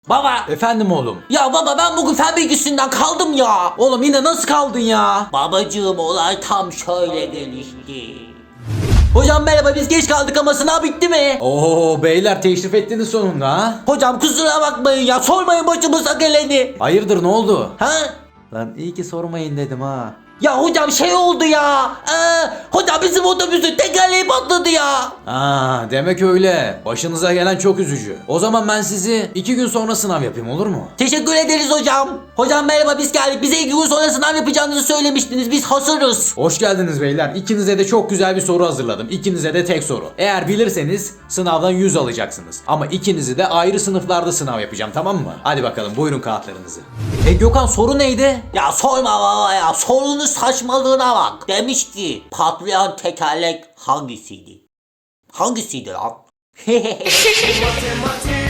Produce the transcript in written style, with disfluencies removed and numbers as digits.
Baba. Efendim oğlum. Ya baba ben bugün fen bilgisinden kaldım ya. Oğlum yine nasıl kaldın ya? Babacığım olay tam şöyle gelişti. Hocam merhaba biz geç kaldık ama sınav bitti mi? Oo beyler teşrif ettiniz sonunda ha? Hocam kusura bakmayın ya sormayın başımıza geleni. Hayırdır ne oldu? Ha? Lan iyi ki sormayın dedim ha. Ya hocam şey oldu ya. Hocam bizim otobüsün tekerleği patladı ya. Aa demek öyle. Başınıza gelen çok üzücü. O zaman ben sizi 2 gün sonra sınav yapayım olur mu? Teşekkür ederiz hocam. Hocam merhaba biz geldik. Bize 2 gün sonra sınav yapacağınızı söylemiştiniz. Biz hazırız. Hoş geldiniz beyler. İkinize de çok güzel bir soru hazırladım. İkinize de tek soru. Eğer bilirseniz sınavdan 100 alacaksınız. Ama ikinizi de ayrı sınıflarda sınav yapacağım tamam mı? Hadi bakalım buyurun kağıtlarınızı. Gökhan soru neydi? Ya sorma baba ya. Sorunun saçmalığına bak. Demiş ki patlayan tekerlek hangisiydi? Hangisiydi lan?